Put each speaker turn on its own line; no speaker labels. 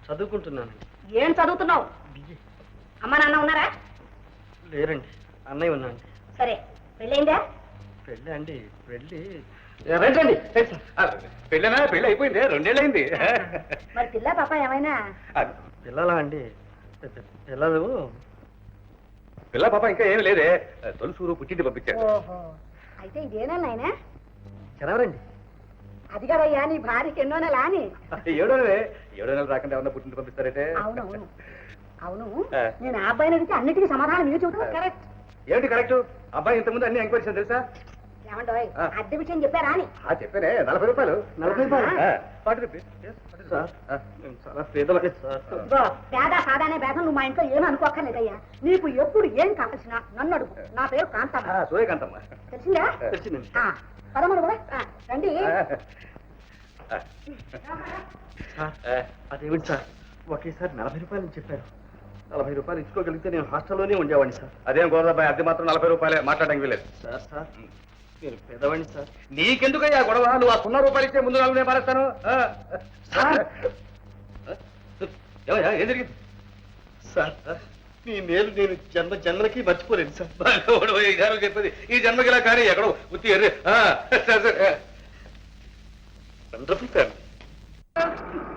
చదువుకుంటున్నాను.
ఏం చదువుతున్నావు? అమ్మ నాన్న ఉన్నారా?
లేరండి, అన్నయ్య ఉన్నాండి.
సరే, పెళ్ళైందా?
పెళ్ళి అండి, పెళ్ళి
రండి పెళ్ళనా? పెళ్ళి అయిపోయింది, 2 ఏళ్ళు అయింది.
మరి పిల్ల పాప ఏమైనా?
పిల్లలా అండి? పిల్లలు
పిల్ల పాప ఇంకా ఏమి లేదే, తొలుసూరు పుట్టింటి పంపించారు.
ఓహో, అయితే ఇదేనా నాయనా?
జనవరండి.
అది కదయ్యా నీ భార్యకి ఎన్నో నెల అని.
7 నెలలు రాకుండా ఏమన్నా పుట్టింటి పంపిస్తారంటే?
అవునవును అవును, నేను ఆ అబ్బాయిని అడిగితే అన్నిటికీ సమాధానం మీరు చెబుతున్నారు. కరెక్ట్.
ఏమిటి కరెక్ట్? అబ్బాయి ఇంతకుముందు అన్ని ఎంక్వైరీ చేశాను తెలుసా?
ఏమంటావు? అద్దె విషయం చెప్పారా అని?
చెప్పానే, 40 రూపాయలు.
40 రూపాయలు?
40 రూపీస్
సార్, మేము చాలా పేదలకి సార్.
ఇదిగో, పేద సాదానే భేదం నువ్వు మా ఇంట్లో ఏమీ అనుకోక్కర్లేదయ్యా. నీకు ఎప్పుడు ఏం కావాల్సినా నన్ను అడుగు. నా పేరు కాంతమ్మ.
సూర్యకాంతమ్మ.
తెలిసిందా?
తెలిసిందండి.
పదమూడు కూడా రండి.
సార్, అదేమిటి సార్, ఒకేసారి 40 రూపాయలు చెప్పారు. 40 రూపాయలు ఇచ్చుకోగలిగితే నేను హాస్టల్లోనే ఉండేవాడిని సార్.
అదేం గోదాబాయ్, అద్దె మాత్రం 40 రూపాయలే, మాట్లాడడానికి వీలేదు.
సార్ సార్, మీరు పేదవాడిని సార్.
నీకెందుకయ్యా గొడవ? నువ్వు ఆ 0 రూపాయలు ఇచ్చే ముందు 4 నేను మారేస్తాను. ఏం జరిగింది
సార్, మీ మేలు నేను జన్మలకి మర్చిపోలేను సార్.
చెప్పేది ఈ జన్మకి ఇలా కానీ ఎక్కడో ఉత్తి ఎర్రి.
Wonderful family.